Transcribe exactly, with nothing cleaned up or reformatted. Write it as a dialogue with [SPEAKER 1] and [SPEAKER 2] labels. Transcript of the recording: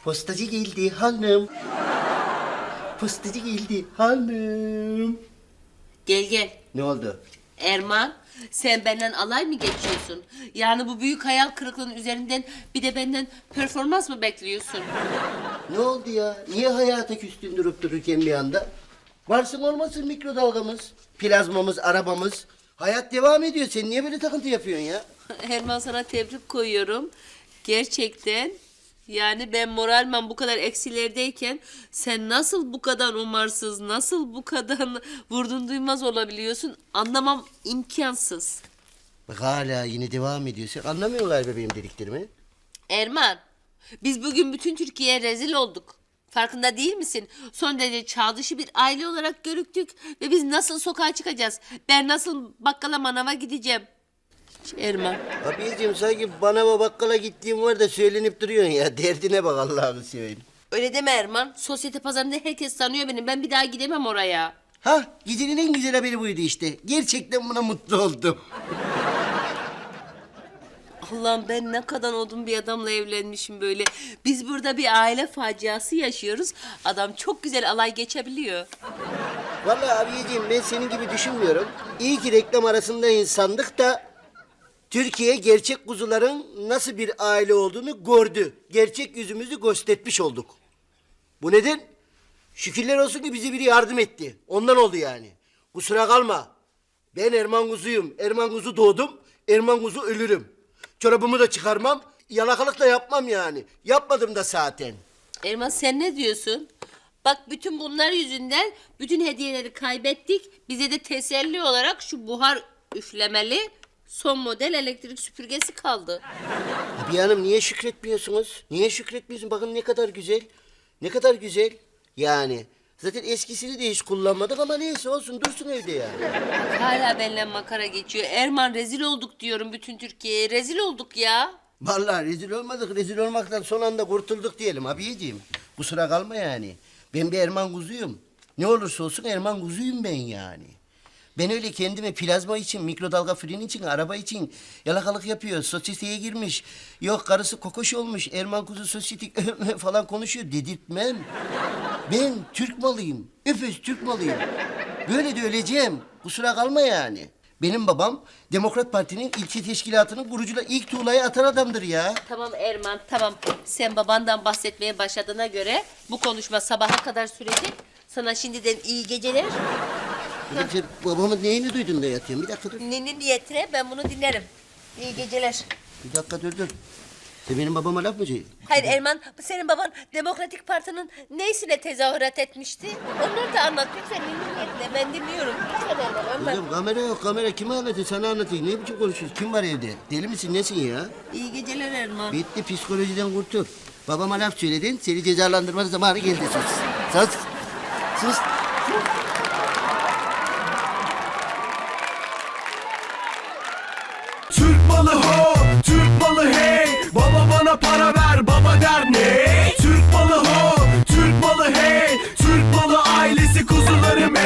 [SPEAKER 1] Postacı geldi hanım. Postacı geldi hanım.
[SPEAKER 2] Gel gel.
[SPEAKER 1] Ne oldu?
[SPEAKER 2] Erman, sen benden alay mı geçiyorsun? Yani bu büyük hayal kırıklığının üzerinden bir de benden performans mı bekliyorsun?
[SPEAKER 1] Ne oldu ya? Niye hayata küstün durup dururken bir anda? Varsın olmasın mikrodalgamız, plazmamız, arabamız. Hayat devam ediyor. Sen niye böyle takıntı yapıyorsun ya?
[SPEAKER 2] Erman, sana tebrik koyuyorum. Gerçekten yani ben moralmen bu kadar eksilerdeyken sen nasıl bu kadar umarsız, nasıl bu kadar vurdun duymaz olabiliyorsun anlamam imkansız.
[SPEAKER 1] Bak hala yine devam ediyor. Sen anlamıyorsun galiba benim dediklerimi.
[SPEAKER 2] Erman, biz bugün bütün Türkiye'ye rezil olduk. Farkında değil misin? Son derece çağ dışı bir aile olarak görüktük ve biz nasıl sokağa çıkacağız? Ben nasıl bakkala manava gideceğim? Erman.
[SPEAKER 1] Abiciğim sanki bana ve bakkala gittiğim var da söylenip duruyorsun ya. Derdine bak Allah'ını seveyim.
[SPEAKER 2] Öyle deme Erman. Sosyete pazarında herkes tanıyor beni. Ben bir daha gidemem oraya.
[SPEAKER 1] Ha, gecenin en güzel haberi buydu işte. Gerçekten buna mutlu oldum.
[SPEAKER 2] Allah'ım, ben ne kadar odun bir adamla evlenmişim böyle. Biz burada bir aile faciası yaşıyoruz. Adam çok güzel alay geçebiliyor.
[SPEAKER 1] Vallahi abiciğim ben senin gibi düşünmüyorum. İyi ki reklam arasında insandık da Türkiye gerçek kuzuların nasıl bir aile olduğunu gördü. Gerçek yüzümüzü göstermiş olduk. Bu neden? Şükürler olsun ki bize biri yardım etti. Ondan oldu yani. Kusura kalma. Ben Erman Kuzu'yum. Erman Kuzu doğdum. Erman Kuzu ölürüm. Çorabımı da çıkarmam. Yalakalık da yapmam yani. Yapmadım da zaten.
[SPEAKER 2] Erman, sen ne diyorsun? Bak, bütün bunlar yüzünden bütün hediyeleri kaybettik. Bize de teselli olarak şu buhar üflemeli son model elektrik süpürgesi kaldı.
[SPEAKER 1] Abi hanım niye şükretmiyorsunuz? Niye şükretmiyorsun? Bakın ne kadar güzel. Ne kadar güzel. Yani zaten eskisini de hiç kullanmadık ama neyse olsun dursun evde yani.
[SPEAKER 2] Hala benimle makara geçiyor. Erman, rezil olduk diyorum bütün Türkiye'ye. Rezil olduk ya.
[SPEAKER 1] Vallahi rezil olmadık. Rezil olmaktan son anda kurtulduk diyelim abiciğim. Kusura kalma yani. Ben bir Erman Kuzu'yum. Ne olursa olsun Erman Kuzu'yum ben yani. Ben öyle kendime plazma için, mikrodalga fırın için, araba için yalakalık yapıyor. Sosyeteye girmiş. Yok karısı kokoş olmuş. Erman Kuzu sosyetik falan konuşuyor. Dedirtmem. Ben Türk malıyım. Öpüz Türk malıyım. Böyle de öleceğim. Kusura kalma yani. Benim babam Demokrat Parti'nin ilçe teşkilatının kurucuyla ilk tuğlayı atan adamdır ya.
[SPEAKER 2] Tamam Erman, tamam. Sen babandan bahsetmeye başladığına göre bu konuşma sabaha kadar sürecek. Sana şimdiden iyi geceler.
[SPEAKER 1] Kızım sen babamın neyini duydun da yatıyorsun? Bir dakika dur.
[SPEAKER 2] Nenin niyetine ben bunu dinlerim. İyi geceler.
[SPEAKER 1] Bir dakika dur dur. Sen benim babama laf mı söylüyorsun?
[SPEAKER 2] Hayır Erman, senin baban Demokratik Parti'nin neysine tezahürat etmişti? Onları da anlat lütfen, nenin niyetine. Ben dinliyorum. Lütfen Erman, Erman.
[SPEAKER 1] Kızım kamera yok kamera. Kime anlatayım? Sana anlatayım. Ne biçim konuşuyorsun? Kim var evde? Deli misin? Nesin ya?
[SPEAKER 2] İyi geceler Erman.
[SPEAKER 1] Bitti psikolojiden kurtul. Babama laf söyledin. Seni cezalandırma zamanı geldi sus. Sus. Sus.
[SPEAKER 3] Türk malı ho